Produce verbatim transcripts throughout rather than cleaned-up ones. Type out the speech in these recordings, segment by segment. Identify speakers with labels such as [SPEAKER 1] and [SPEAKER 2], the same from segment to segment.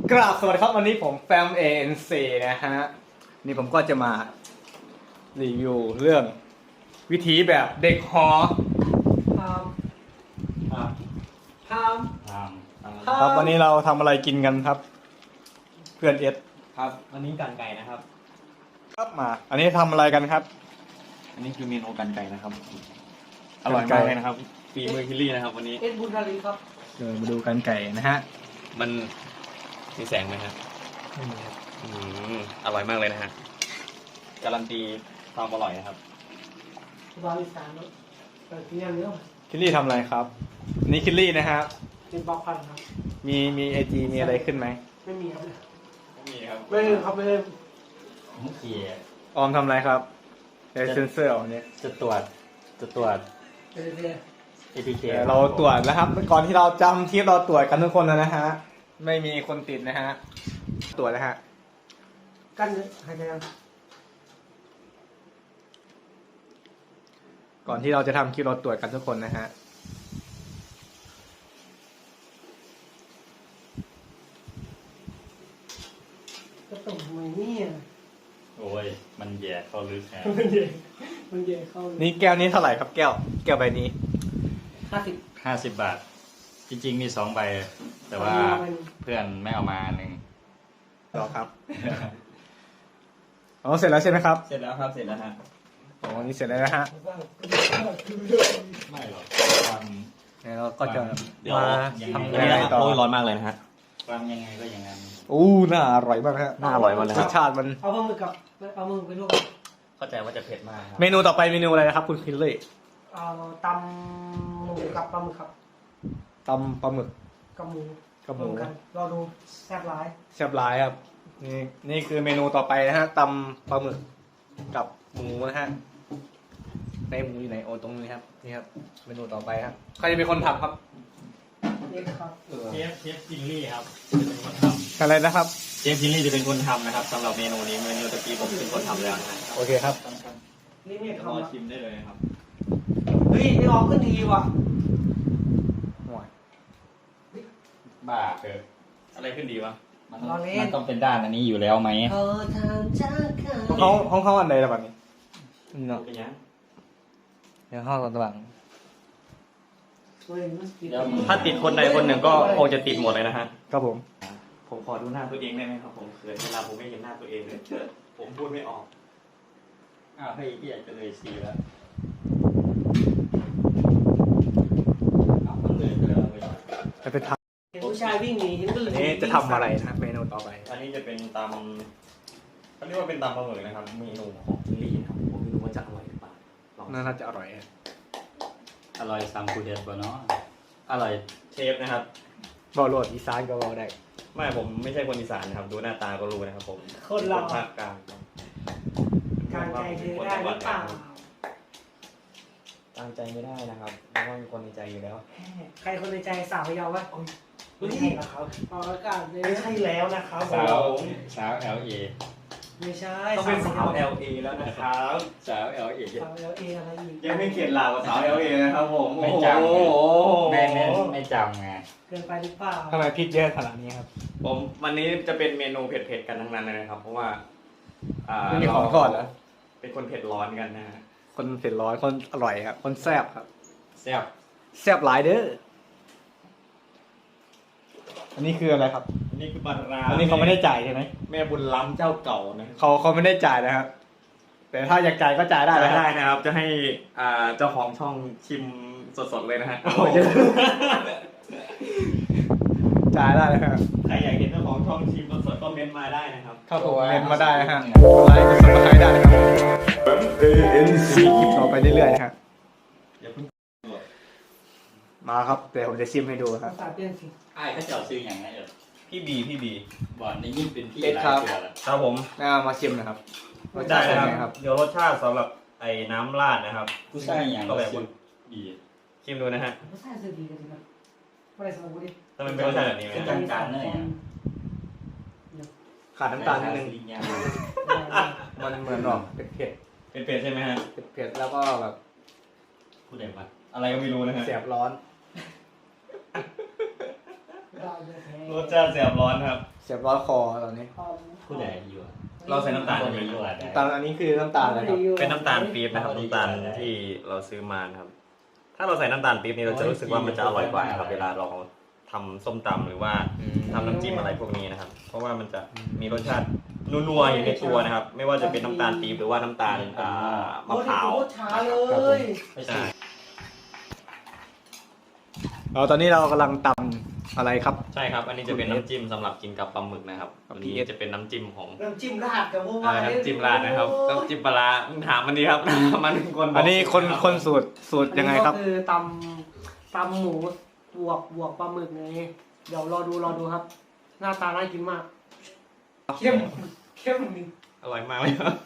[SPEAKER 1] กราบสวัสดีครับวันนี้ผมแฟม เอ เอ็น ซี นะฮะนี่ผมก็จะมารีวิวเรื่องวิถีแบบเด็กหอ
[SPEAKER 2] พาม
[SPEAKER 1] อ่ะ
[SPEAKER 2] พาม
[SPEAKER 3] ตาม
[SPEAKER 1] ครับวันนี้เราทำอะไรกินกันครับ เพื่อนเอส
[SPEAKER 3] ครับวันนี้กันไก่นะครับ
[SPEAKER 1] ครับมา อันนี้ทำอะไรกันครับ
[SPEAKER 3] อันนี้คือเมนูกันไก่นะครับ อร่อยมากเลยนะครับฝีมือคิลลี่นะครับ วันนี้
[SPEAKER 2] เอ็ดบุญทารีครับ
[SPEAKER 1] เดี๋ยวมาดูกันไก่นะฮะ
[SPEAKER 3] มันมีแสงไหมครับอืมอร่อยมากเลยนะฮะการันตีความอร่อยนะครับ
[SPEAKER 2] บาลิสานเปิดที่ยังเยอะ
[SPEAKER 1] คิลลี่ทำอะไรครับอันนี่คิลลี่นะฮะ
[SPEAKER 2] เป็นบล็อกพันครับ
[SPEAKER 1] มีมีไอจีมีอะไรขึ้นไหม
[SPEAKER 2] ไม่มีครับ
[SPEAKER 3] ไม่มีครับ
[SPEAKER 2] ไม่เลยครับไม่เลย
[SPEAKER 3] ผมเขีย
[SPEAKER 1] ออมทำอะไรครับเดซเซนเซอร์เอาเนี่ย
[SPEAKER 3] จะตรวจจะตรวจ
[SPEAKER 2] เรื่อย
[SPEAKER 3] เอ ที เค
[SPEAKER 1] เดี๋ยวเราตรวจแล้วครับ ก่อนที่เราจำที่เราตรวจกันทุกคนแล้วนะฮะ ไม่มีคนติดนะฮะ ตรวจแล้วฮะ
[SPEAKER 2] ๆกันเลยหายใจยัง
[SPEAKER 1] ก่อนที่เราจะทำคลิปเราตรวจกันทุกคนนะฮะ
[SPEAKER 2] ก็ตกมือเนี่ย
[SPEAKER 3] โอ้ยมันแย่เข้าลึกครับ
[SPEAKER 2] มันเย่มันเย่เข้า
[SPEAKER 1] นี่แก้วนี้เท่าไหร่ครับแก้ว แก้วใบนี้
[SPEAKER 2] ห้าสิบ
[SPEAKER 3] ห้าสิบบาท จริงๆมีสองใบ แต่ว่าเพื่อนไม่เอามาหนึ่ง
[SPEAKER 1] รอครับ อ๋อเสร็จแล้วใช่ไหมครับ
[SPEAKER 3] เสร็จแล้วครับเสร็จแล้วฮะ
[SPEAKER 1] อ๋อนี่เสร็จแล้วนะฮะ
[SPEAKER 3] ไม่หรอกท
[SPEAKER 1] เดี๋ยวเราก็จะ
[SPEAKER 3] เดี๋ยว
[SPEAKER 1] มา
[SPEAKER 3] ยังไง
[SPEAKER 1] ทำยังไงต่อ
[SPEAKER 3] โอ้ยร้อนมากเลยนะฮะวางยังไงก็อย่างนั้น
[SPEAKER 1] อู้น่าอร่อยมากฮะ
[SPEAKER 3] น่าอร่อยมากเลย
[SPEAKER 1] ร
[SPEAKER 3] ครั
[SPEAKER 1] ส
[SPEAKER 3] บ
[SPEAKER 1] ชาติมัน
[SPEAKER 2] เอาปลาหมึกกับเอามือไปลวก
[SPEAKER 3] เข้าใจว่าจะเผ็ดมากครับ
[SPEAKER 1] เมนูต่อไปเมนูอะไรนะครับ คุณคิลลี่
[SPEAKER 2] เอาตำหมูกับปลาหมึกครับ
[SPEAKER 1] ตำปลาหมึก
[SPEAKER 2] กับหมู
[SPEAKER 1] กับหมู
[SPEAKER 2] รวกันรอดูแซ่บร้าย
[SPEAKER 1] แซ่บหลายครับ นี่นี่คือเมนูต่อไปนะฮะตำปลาหมึกกับหมูนะฮะ ในหมูอยู่ไหนโอ้ตรงนี้ครับ นี่ครับ เมนูต่อไปครับ ใครจะเป็นคนทำครับ
[SPEAKER 2] นี่ครับ
[SPEAKER 3] เชฟเชฟจินลี่ครับจะเป็นคนท
[SPEAKER 1] อะไรนะครับ
[SPEAKER 3] ำเชฟจินลี่จะเป็นคนทำนะครับสำหรับเมนูนี้เมนูตะกี้ผมเป็นคนทำแล้วนะฮะ
[SPEAKER 1] โอเคครับ
[SPEAKER 2] นี่เนี่ย
[SPEAKER 3] รอ
[SPEAKER 2] ทำอะ
[SPEAKER 3] ชิมได้เลยนะครับ
[SPEAKER 2] เฮ้ยนี่ออกขึ้นดีว่ะ
[SPEAKER 3] บ้าเกิดอะไรขึ้นดีวะมัน
[SPEAKER 2] รอเล่
[SPEAKER 3] มัน นต้องเป็นด้านอันนี้อยู่แล้วไหม
[SPEAKER 2] เออทางจากใคร
[SPEAKER 1] ห้องห้องเขาอันไหนล่ะแบบนี้เนาะ
[SPEAKER 3] เป็นยัง
[SPEAKER 1] เดี๋ยวห้องตรงหลัง
[SPEAKER 2] เฮ้ยมันติด
[SPEAKER 3] ถ้าติดคนใดคนหนึ่งก็คงจะติดหมดเลยนะฮะ
[SPEAKER 1] ครับผม
[SPEAKER 3] ผมขอดูหน้าตัวเองได้ไหมครับผมเขินเวลาผมไม่เห็นหน้าตัวเองเลยผมพูดไม่ออกอ้าวเฮ้ยพี่อยากจะเลยซีแล้วอ้าวมันเลยไปแล้วเลย
[SPEAKER 1] จะไปท
[SPEAKER 2] เห็นผู้ชายวิ่งหนีเห็นก็เลย
[SPEAKER 1] ำนี่จะทำอะไรนะเมนูต่อไป
[SPEAKER 3] อันนี้จะเป็นตำเขาเรียกว่าเป็นตำปลาหมึกนะครับเมนูของจิลลี่นะครับผมไม่รู้ว่าจะอร่อยหรือเปล่าลอง
[SPEAKER 1] น่าจะอร่อยครับ
[SPEAKER 4] อร่อยซ้ำคูเดสบ่เนาะ
[SPEAKER 3] อร่อยเชฟนะครับ
[SPEAKER 1] บอโรดอีสานก็บอได้
[SPEAKER 3] ไม่ผมไม่ใช่คนอีสานนะครับ ดูหน้าตาก็รู้นะครับผม
[SPEAKER 2] คนเรา
[SPEAKER 3] ภาคกลางครับ
[SPEAKER 2] การใจเธอได้หรือเปล่า
[SPEAKER 3] ตั้งใจไม่ได้นะครับเพราะว่ามีคนในใจอยู่แล้ว
[SPEAKER 2] ใครคนในใจสาวพยาววะ
[SPEAKER 3] ไม่ใช่นะครับ
[SPEAKER 2] ออกอากาศเลย
[SPEAKER 3] ไม่ใช่แล้วนะครับ
[SPEAKER 4] สาวสาว แอล เอ
[SPEAKER 2] ไม่ใช่
[SPEAKER 3] ต้องเป็นสาว แอล เอ แล้วนะครับ
[SPEAKER 4] สาว แอล เอ
[SPEAKER 2] สาวเอลเออะไรอีก
[SPEAKER 3] ยังไม่เข็ดหลาบกับสาว แอล เอ นะครับผม
[SPEAKER 4] ไม่จำ
[SPEAKER 3] โอ้โห
[SPEAKER 4] ไม่ไม่ไม่จำไง
[SPEAKER 2] เกินไปหรือเปล่า
[SPEAKER 1] ทำไมพริกเยอะขนาดนี้ครับ
[SPEAKER 3] ผมวันนี้จะเป็นเมนูเผ็ดๆกันทั้งนั้นเลยนะครับ เพราะว่าอ่า
[SPEAKER 1] ไม่มีของทอดเหรอ
[SPEAKER 3] เป็นคนเผ็ดร้อนกันนะฮะ
[SPEAKER 1] คนเผ็ดร้อนคนอร่อยครับ คนแซ่บครับ
[SPEAKER 3] แซ่บ
[SPEAKER 1] แซ่บหลายเด้อ อันนี้คืออะไรครับ
[SPEAKER 3] อันนี้คือปลาร้า
[SPEAKER 1] อันนี้เขาไม่ได้จ่ายใช่ไหม
[SPEAKER 3] แม่บุญล้ำเจ้าเก่านะ
[SPEAKER 1] เขาเขาไม่ได้จ่ายนะครับ แต่ถ้าอยากจ่ายก็จ่ายได้
[SPEAKER 3] ได้
[SPEAKER 1] นะค
[SPEAKER 3] ได้
[SPEAKER 1] รับ
[SPEAKER 3] นะครับ จะให้อ่าเจ้าของช่องชิมสดๆเลยนะฮะ
[SPEAKER 1] จ่ายได้นะครับ
[SPEAKER 3] ใครอยากเห็นเจ้าของช่องชิมสดๆก็เมนต์มาได้นะครับ
[SPEAKER 1] เข้าผมเมนมาได้นะฮะกดไลค์กดซับสไครต์ได้นะครับมีคลิปต่อไปเรื่อยๆนะฮะ
[SPEAKER 3] อย่าเพิ่ง
[SPEAKER 1] มาครับเดี๋ยวผมจะชิมให้ดูครับ
[SPEAKER 2] ภาษาเปลี่ยนสิ
[SPEAKER 4] ไอ้ายเขาเจ้าซื้ออย่างไงเออ
[SPEAKER 3] พี่บีพี่บี
[SPEAKER 4] บ่อนได้ยิ่งเป็นพี่
[SPEAKER 1] เอ็ด
[SPEAKER 4] หลาย
[SPEAKER 1] ครับ
[SPEAKER 4] เดือนละ
[SPEAKER 3] ครับผม
[SPEAKER 1] น่ามาชิมนะครับ
[SPEAKER 3] ได้
[SPEAKER 1] รสชาติ
[SPEAKER 3] นะ
[SPEAKER 1] เป็น
[SPEAKER 3] ค
[SPEAKER 1] ไง
[SPEAKER 3] รับเดี๋ยวรสชาติสำหรับไอ้น้ำราดนะครับ
[SPEAKER 4] ผู้ชายอย่าง
[SPEAKER 3] ก็แบบ
[SPEAKER 4] ซื้อดี
[SPEAKER 3] ชิมดูนะฮะ
[SPEAKER 2] ภาษาสื่อดีกันจริงครับไม่ได้สมบูรณ์ดิ
[SPEAKER 3] ถ้ามันเป็นรสชาติแบบนี้ไหม
[SPEAKER 4] เป็น
[SPEAKER 3] ฮะ
[SPEAKER 4] ทางการเลยอ่ะ
[SPEAKER 1] ขาดน้ำตาลนิดนึง
[SPEAKER 4] ลิงยาง
[SPEAKER 1] มันเหมือนหรอกเผ็ด
[SPEAKER 3] เป็นเป็ดใช่ไหมฮะ
[SPEAKER 1] ๆเผ็ดๆแล้วก็แบบ
[SPEAKER 4] ผู้ใดวะ
[SPEAKER 3] อะไรก็ไม่รู้นะฮะ
[SPEAKER 1] แสบร้อน
[SPEAKER 3] รสชาติแสบร้อนครับ
[SPEAKER 1] เสียบร้อนคอตอนนี้
[SPEAKER 4] ผู้ใดอยู่อะ
[SPEAKER 3] เราใส่น้ำตาล
[SPEAKER 4] ผู้
[SPEAKER 3] ใช่
[SPEAKER 4] ใด
[SPEAKER 3] ไหม
[SPEAKER 4] อยู่อะได้
[SPEAKER 1] น้ำตาลอันนี้คือน้ำตาลอะไรครับ
[SPEAKER 3] เป็นน้ำตาลปี๊บนะครับน้ำตาลที่เราซื้อมานะครับ ถ้าเราใส่น้ำตาลปี๊บนี่เราจะรู้สึกว่ามันจะอร่อยกว่านะครับเวลาเราทำส้มตำหรือว่า
[SPEAKER 1] อืม
[SPEAKER 3] ทำน้ำจิ้มอะไรพวกนี้นะครับ เพราะว่ามันจะมีรสชาตินัวๆอยู่ในตัวนะครับ ไม่ว่าจะเป็นน้ำตาลปี๊บหรือว่าน้ำตาลอ่ามะพร้าว
[SPEAKER 2] โคตรช้าเลย
[SPEAKER 4] ไม่ใช่
[SPEAKER 3] ใช่
[SPEAKER 1] เราตอนนี้เรากำลังตำอะไรครับ
[SPEAKER 3] ใช่ครับ อันนี้จะเป็นน้ำจิ้มสำหรับกินกับปลาหมึกนะครับ
[SPEAKER 1] ครับ
[SPEAKER 3] อันนี้จะเป็นน้ำจิ้มของ
[SPEAKER 2] น้ำจิ้มราดกับพวก
[SPEAKER 3] อ่าน้ำจิ้มราดนะครับน้ำจิ้มปลาร้าถามมันดีครับ มันเป็นคนบก
[SPEAKER 1] อันนี้คน
[SPEAKER 3] รับ
[SPEAKER 1] คนสูตรสูตรยังไงครับ
[SPEAKER 2] ก็คือตำตำหมูบวกบวกปลาหมึกไงเดี๋ยวรอดูรอดูครับ หน้าตาน่ากินมาก เข้มเข้มนี่
[SPEAKER 3] อร่อยมากเลยครับ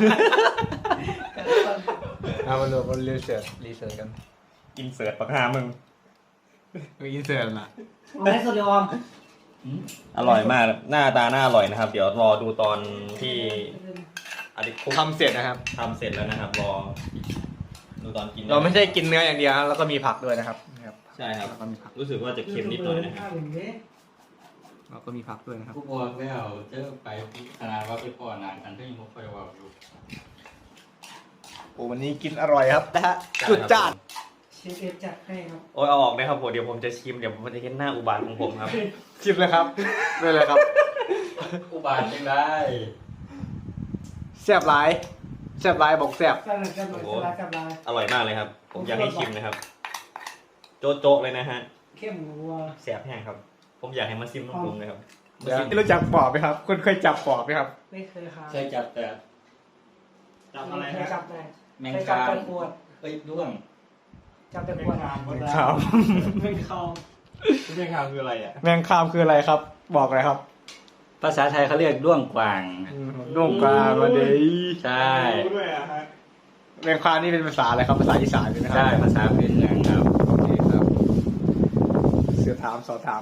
[SPEAKER 1] เอามาดูมารีเสิร์ชรีเสิร์ชกัน
[SPEAKER 3] อินเสิร์ตปากหามึง
[SPEAKER 1] ไปอินเสิร์ตนะ
[SPEAKER 2] ไม่สุดยอม
[SPEAKER 3] อร่อยมาก หน้าตาน่าอร่อยนะครับ เดี๋ยวรอดูตอนที่อดิคุก
[SPEAKER 1] ทำเสร็จนะครับ
[SPEAKER 3] ทำเสร็จแล้วนะครับ รอดูตอนกิน
[SPEAKER 1] เราไม่ใช่กินเนื้ออย่างเดียวครับแล้วก็มีผักด้วยนะครับนะครับ
[SPEAKER 3] ใช่ครับ
[SPEAKER 1] แล้วก็มีผัก
[SPEAKER 3] รู้สึกว่าจะเค็มนิดหน่อยนะครับ
[SPEAKER 1] แล้วก็มีผักด้วยนะครับ
[SPEAKER 4] ผู้บอกแล้วเจอไปขนาดว่าไปพ่อนานกันก็ยังไม่ค่อยว่าอยู่
[SPEAKER 1] โอ้วันนี้กินอร่อยครับนะฮะจุดจ้าน
[SPEAKER 2] เชฟเอ็ดจัดให้ครับ
[SPEAKER 3] โอ้ยเอาออกนะครับผมเดี๋ยวผมจะชิมเดี๋ยวผมจะเห็นหน้าอุบาทของผมครับ
[SPEAKER 1] ชิมเลยครับได้เลยครับ
[SPEAKER 4] อุบาทยังได้
[SPEAKER 1] แซ่บหลายแซ่บหลายบอกแซ่บ
[SPEAKER 2] แซ่บเลยแซ่บเลยแซ่บเลยแซ่บเลย
[SPEAKER 3] อร่อยมากเลยครับ ผมอยากให้ชิมนะครับ โจ๊ะโจ๊ะเลยนะฮะ
[SPEAKER 2] เข้มหัว
[SPEAKER 3] แสบแห้งครับ ผมอยากให้มาซิมน้ำปรุงเลยครับ
[SPEAKER 1] เดี๋ยวรู้จักปอบไหมครับคุณเคยจับปอบไหมครับ
[SPEAKER 2] ไม่เคยครับ
[SPEAKER 4] เคยจับแต่
[SPEAKER 3] จับอะไร
[SPEAKER 2] เคย
[SPEAKER 3] ฮะ
[SPEAKER 2] จับแต่
[SPEAKER 4] แมง
[SPEAKER 2] เคยจับ
[SPEAKER 4] คาม
[SPEAKER 2] แต่ขวด
[SPEAKER 4] เอ้ยด้วง
[SPEAKER 2] จับแต่ขวด
[SPEAKER 1] ครับ
[SPEAKER 2] ไม่คอม
[SPEAKER 3] แมงคามคืออะไรอ่ะ
[SPEAKER 1] แมงคามคืออะไรครับ บอกเลยครับ
[SPEAKER 4] ภาษาไทยเขาเรียกด้วงกวาง
[SPEAKER 1] นุ่มกลางวันเดย
[SPEAKER 4] ใช่
[SPEAKER 3] รู้ด้วยอ่ะฮะ
[SPEAKER 1] แมงคามนี่เป็นภาษาอะไรครับภาษาอีสานใช่ไหมครั
[SPEAKER 4] ใช่ภาษาพื้นเมืองครับ
[SPEAKER 1] โอเคครับเสือถามสอบถาม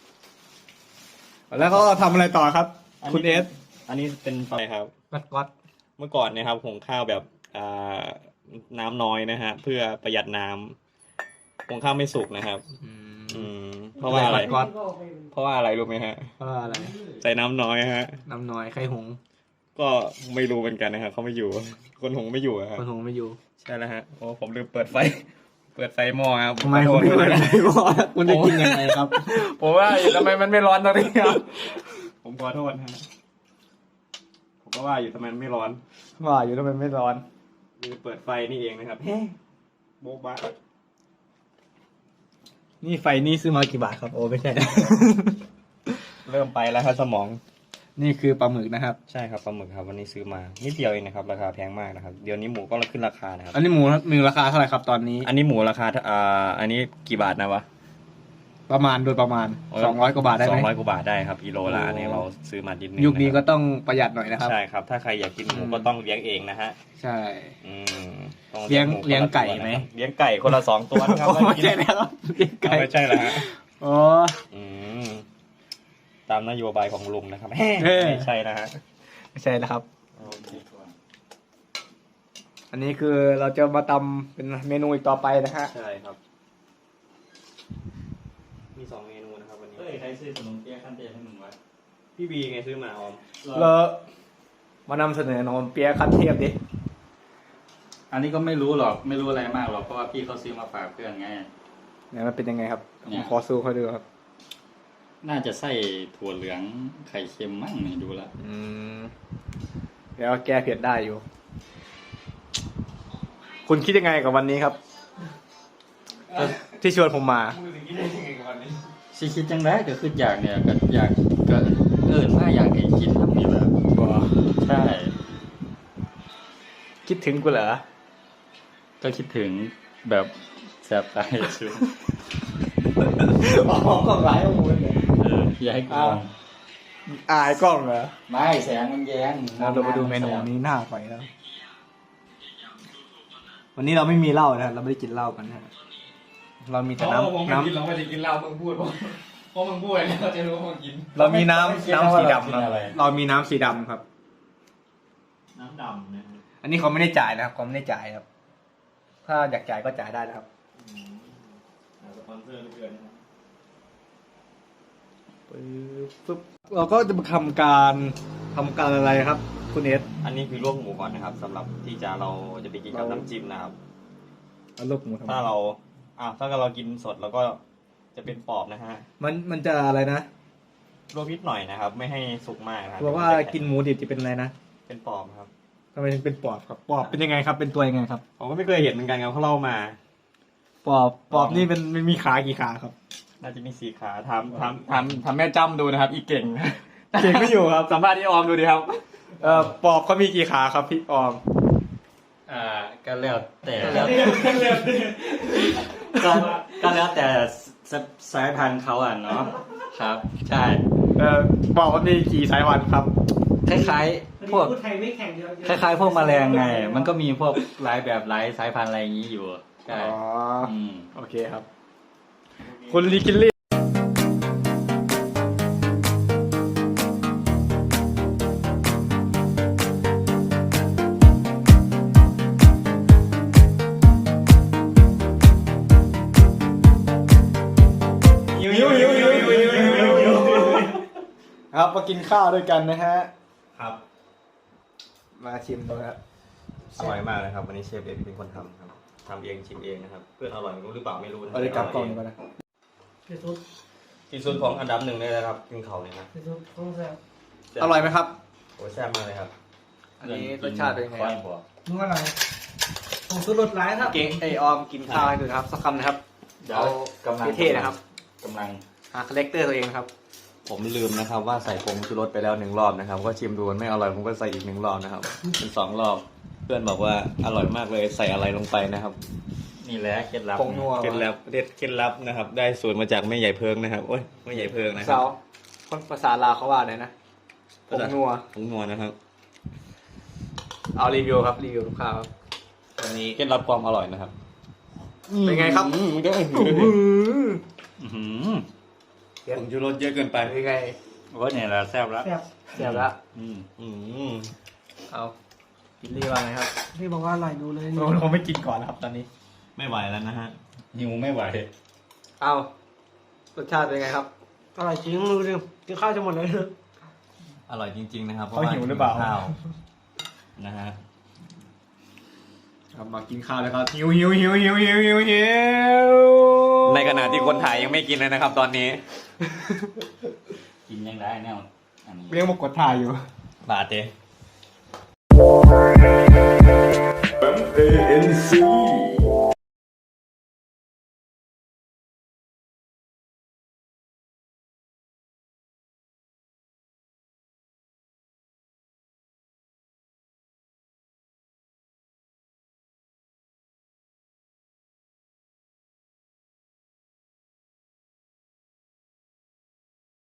[SPEAKER 1] แล้วก็ทำอะไรต่อครับ คุณเอส
[SPEAKER 3] อันนี้เป็นไฟครับ
[SPEAKER 1] วัดวัด
[SPEAKER 3] เมื่อก่อนเนะครับหุงข้าวแบบอ่าน้ำน้อยนะฮะเพื่อประหยัดน้ำหุงข้าวไม่สุกนะครับ อืมเพราะว่าอะไร
[SPEAKER 1] วัด
[SPEAKER 3] เพราะว่าอะไรรู้ไหมฮะ
[SPEAKER 1] เพราะว่าอะไร
[SPEAKER 3] ใส่น้ำน้อยฮะ
[SPEAKER 1] น้ำน้อยไข่หง
[SPEAKER 3] ก็ไม่รู้เหมือนกันนะครับเขาไม่อยู่ คนหุงไม่อยู่อะครับ
[SPEAKER 1] คนหงไม่อยู่
[SPEAKER 3] ใช่แล้วฮะโอ้ผมลืมเปิดไฟ เปิดไฟหม้อครับ
[SPEAKER 1] ทำไม
[SPEAKER 3] ข
[SPEAKER 1] คุ
[SPEAKER 3] อ
[SPEAKER 1] ณ
[SPEAKER 3] โทษ
[SPEAKER 1] ไม่เปิดไฟหม้อคุณจะกินยังไงครับ
[SPEAKER 3] ผมว่าอยู่ทำไมมันไม่ร้อนตรงนี้ครับ ผมขอโทษฮะผมก็ว่าอยู่ทำไมมันไม่ร้อน
[SPEAKER 1] ว่าอยู่ทำไมไม่ร้อน
[SPEAKER 3] ลืมเปิดไฟนี่เองนะครับเฮ้โบ๊ะบ้า
[SPEAKER 1] นี่ไฟนี่ซื้อมากี่บาทครับโอ้ไม่ใช่
[SPEAKER 3] เริ่มไปแล้วครับสมอง
[SPEAKER 1] นี่คือปลาหมึกนะครับ
[SPEAKER 3] ใช่ครับปลาหมึกครับวันนี้ซื้อมานิดเดียวเองนะครับราคาแพงมากนะครับเดี๋ยวนี้หมูก็ขึ้นราคานะครับ
[SPEAKER 1] อันนี้หมูหนึ่งราคาเท่าไหร่ครับตอนนี้
[SPEAKER 3] อันนี้หมูราคาอ่าอันนี้กี่บาทนะวะ
[SPEAKER 1] ประมาณโดยประมาณสองร้อยกว่าบาทได้
[SPEAKER 3] ส
[SPEAKER 1] ไห
[SPEAKER 3] อ
[SPEAKER 1] ม
[SPEAKER 3] งร้อยกว่าบาทได้ครับกิโลละ
[SPEAKER 1] โอ้
[SPEAKER 3] อันนี้เราซื้อมาดินนึง
[SPEAKER 1] ยุคนี้ก็
[SPEAKER 3] ะ
[SPEAKER 1] ต้องประหยัดหน่อยนะ
[SPEAKER 3] ค
[SPEAKER 1] ค
[SPEAKER 3] รั
[SPEAKER 1] รั
[SPEAKER 3] บบ ใช่ครับ ถ้าใครอยากกินหมู
[SPEAKER 1] อืม
[SPEAKER 3] ก็ต้องเลี้ยงเองนะฮะ
[SPEAKER 1] ใช่
[SPEAKER 3] อืมต้อง
[SPEAKER 1] เลี้ยง
[SPEAKER 3] หมูคนละ
[SPEAKER 1] เลี้ยงไก่
[SPEAKER 3] ตัวนะครับ
[SPEAKER 1] ไหม
[SPEAKER 3] เลี้ยงไก่คนละสองตัวนะครับ
[SPEAKER 1] โอ้ไม่ใช่แล้วเลี้ยงไก่
[SPEAKER 3] ไม่ใช่แล้วฮะ
[SPEAKER 1] อ๋อ
[SPEAKER 3] อืมตามนโยบายของลุงนะครับ
[SPEAKER 1] เฮ้ย
[SPEAKER 3] ไม่ใช่นะฮะ
[SPEAKER 1] ไม่ใช่แล้วครับ
[SPEAKER 3] โอเค
[SPEAKER 1] อันนี้คือเราจะมาตำเป็นเมนูอีกต่อไปนะฮะ
[SPEAKER 3] ใช่ครับ มีสองเมนูนะครับวันนี้
[SPEAKER 4] เฮ้ยใครซื้อขนมเปี๊ยะขั้นเทพให้มึงวะ
[SPEAKER 3] พี่บีไงซื้อมาออม
[SPEAKER 1] เรามานำเสนอนมเปี๊ยะขั้นเทพดิ
[SPEAKER 4] อันนี้ก็ไม่รู้หรอกไม่รู้อะไรมากหรอกเพราะว่าพี่เขาซื้อมาฝากเพื่อนไง
[SPEAKER 1] เนี่ยมันเป็นยังไงครับ
[SPEAKER 4] เนี่
[SPEAKER 1] ผม
[SPEAKER 4] ย
[SPEAKER 1] ขอซูเขาดูครับ
[SPEAKER 4] น่าจะใส่ถั่วเหลืองไข่เค็มมั่งนี่ดูละ
[SPEAKER 1] อืมเดี๋ยวแก้เผ็ดได้อยู่ คุณคิดยังไงกับวันนี้ครับ ที่ชวนผมมา
[SPEAKER 4] สิคิดจังไดก็คืออยากเนี่ยก็อยากก็เอิ้นมาอยากให้กินทำนี่แหละใช่
[SPEAKER 1] คิดถึงกูเหรอ
[SPEAKER 4] ก็คิดถึงแบบแสบตาสุด
[SPEAKER 1] อ๋อกล้องร้ายของมึงเลย
[SPEAKER 4] เอออยากให้กูลอง
[SPEAKER 1] อายกล้องเหรอ
[SPEAKER 4] ไม่แสงมันแย้ง
[SPEAKER 1] เราไปดูเมนูนี้หน้าไปแล้ว วันนี้เราไม่มีเหล้านะเราไม่ได้กินเหล้ากันนะเรามีแต่น้ำน้ำ
[SPEAKER 3] กินเราไม่ได้กินเหล้ามึงพูดเพราะมึงพูดแล้วเราจะรู้ว่ามึงกิน
[SPEAKER 1] เรามีน้ำน้ำสีดำครับเรามีน้ำสีดำครับ
[SPEAKER 3] น้ำดำนะ
[SPEAKER 1] อันนี้เขาไม่ได้จ่ายนะครับเขาไม่ได้จ่ายครับ ถ้าอยากจ่ายก็จ่ายได้นะครับ
[SPEAKER 3] สปอนเซอร์เดือนนะครับ
[SPEAKER 1] ปึ๊บปึ๊บเราก็จะมาทำการทำการอะไรครับ คุณเอส
[SPEAKER 3] อันนี้คือลวกหมูก่อนนะครับสำหรับที่จะเราจะไปกินกับน้ำจิ้มนะครับ
[SPEAKER 1] เอาลูกหมูทำ
[SPEAKER 3] ถ้าเราอ่าถ้าเรากินสดเราก็จะเป็นปอบนะฮะ
[SPEAKER 1] มันมันจะอะไรนะ
[SPEAKER 3] ลวกนิดหน่อยนะครับ ไม่ให้สุกมากนะครับ
[SPEAKER 1] บอกว่ากินหมูดิบจะเป็นอะไรนะ
[SPEAKER 3] เป็นปอบครับ
[SPEAKER 1] ทำไมถึงเป็นปอบครับปอบเป็นยังไงครับ เป็นตัวยังไงครับ
[SPEAKER 3] ผมก็ไม่เคยเห็นเหมือนกันครับเขาเล่ามา
[SPEAKER 1] ปอบปอบนี่เป็นมันมีขากี่ขาครับ
[SPEAKER 3] น่าจะมีสีขาทำทำทำทำแม่จ้ำดูนะครับ อีเก่ง เก่งไม่อยู่ครับสัมภาษณ์ที่ออมดูดิครับ
[SPEAKER 1] เอ่อปอบเขามีกี่ขาครับพี่ออม
[SPEAKER 4] อ่าก็แล้วแต่แล้วก็ก็แล้วแต่สสายพันธุ์เขาอ่ะเนาะครับ ใช่
[SPEAKER 1] เอ่อปอบมันมีกี่สายพันธุ์ครับ
[SPEAKER 4] คล้ายๆพวก
[SPEAKER 2] พูดไทยไม่แข็งเดียว
[SPEAKER 4] คล้ายๆพวกแมลงไง มันก็มีพวกหลายแบบหลายสายพันธุ์อะไรอย่างนี้อยู่ใช่
[SPEAKER 1] อ๋อ
[SPEAKER 4] อืม
[SPEAKER 1] โอเคครับ คุณลิกิลลี่หิวหิวหิวหิวหิวหิวหิวหิวครับมากินข้าวด้วยกันนะฮะ
[SPEAKER 3] ครับ
[SPEAKER 1] มาชิมดูครับ
[SPEAKER 3] อร่อยมากเลยครับวันนี้เชฟเอกเป็นคนทำครับทำเองชิมเองนะครับ เพื่อนอร่อยรู้หรือเปล่าไม่รู้นะ
[SPEAKER 1] เอาเลยกลับกล่องดีกว่านะ
[SPEAKER 2] พี่ซุป
[SPEAKER 3] ที่สุดของอันดับหนึ่งเลยนะครับกินเขาเนี่ยนะ
[SPEAKER 2] พี่ซุปต้องแซ่บ
[SPEAKER 1] อร่อยไหมครับ
[SPEAKER 3] โอ้ยแซ่บมากเลยครับ
[SPEAKER 1] อันนี้รสชาติเป็นไง
[SPEAKER 4] ค่อย
[SPEAKER 1] ครับ
[SPEAKER 4] บอก
[SPEAKER 2] มึงอะไรผมสุดรสร้ายครับ
[SPEAKER 1] เก่งไอออมกินข้าวให้ดูนะครับสักคำนะครับ
[SPEAKER 4] เดี๋ยว
[SPEAKER 1] เอา
[SPEAKER 4] กำลัง
[SPEAKER 1] เท่ๆนะครับ
[SPEAKER 4] กำลัง
[SPEAKER 1] หาคาแรคเตอร์ตัวเองนะครับ
[SPEAKER 3] ผมลืมนะครับว่าใส่ผงชูรสไปแล้วหนึ่งรอบนะครับก็ชิมดูมันไม่อร่อยผมก็ใส่อีกหนึ่งรอบนะครับเป็นสองรอบ เพื่อนบอกว่าอร่อยมากเลยใส่อะไรลงไปนะครับ
[SPEAKER 4] นี่แหละเคล็ดลับ
[SPEAKER 1] ผงนัว
[SPEAKER 3] เคล็ดลับเด็ดเคล็ดลับนะครับ ได้สูตรมาจากแม่ใหญ่เพิงนะครับโอ้ยแม่ใหญ่เพิงนะครั
[SPEAKER 1] สา
[SPEAKER 3] บ
[SPEAKER 1] วคนภาษาลาวเขาว่าไงนะผงนัว
[SPEAKER 3] ผงนัวนะครับ
[SPEAKER 1] เอารีวิวครับรีวิวลูกค้าครับวันนี้
[SPEAKER 3] เคล็ดลับความอร่อยนะครับ
[SPEAKER 1] เป็นไงครับ
[SPEAKER 3] อืมมันก็
[SPEAKER 1] อื้อหือ
[SPEAKER 4] อื้อหือ
[SPEAKER 3] ผงชูรสเยอะเกินไป
[SPEAKER 1] เป็นไง
[SPEAKER 4] โอ้ยเนี่ยแหละแซ่บแล้ว
[SPEAKER 2] แซ่บ
[SPEAKER 1] เสียบละ
[SPEAKER 4] อืม
[SPEAKER 3] อืม
[SPEAKER 1] เอากินรีว่าไงครับ
[SPEAKER 2] พี่บอกว่าอร่อยดูเลย
[SPEAKER 1] ผมผมไม่กินก่อนนะครับ ตอนนี้
[SPEAKER 3] ไม่ไหวแล้วนะฮะ
[SPEAKER 4] หิวไม่ไหว
[SPEAKER 1] เอารสชาติเป็นไงครับ
[SPEAKER 2] อร่อยจริงดูดิกินข้าวจะหมดเลย
[SPEAKER 3] อร่อยจริง ๆ นะครับ
[SPEAKER 1] เขาหิวหรือเปล่า
[SPEAKER 3] ข้าวนะฮะ
[SPEAKER 1] ครับมากินข้าวแล้วครับหิวหิวหิวหิวหิวหิวหิว
[SPEAKER 3] ในขณะที่คนถ่ายยังไม่กินเลยนะครับ ตอนนี้
[SPEAKER 4] กินยังได้แนวอันนี้
[SPEAKER 1] เรียกมากดถ่ายอยู่
[SPEAKER 3] บาดเจ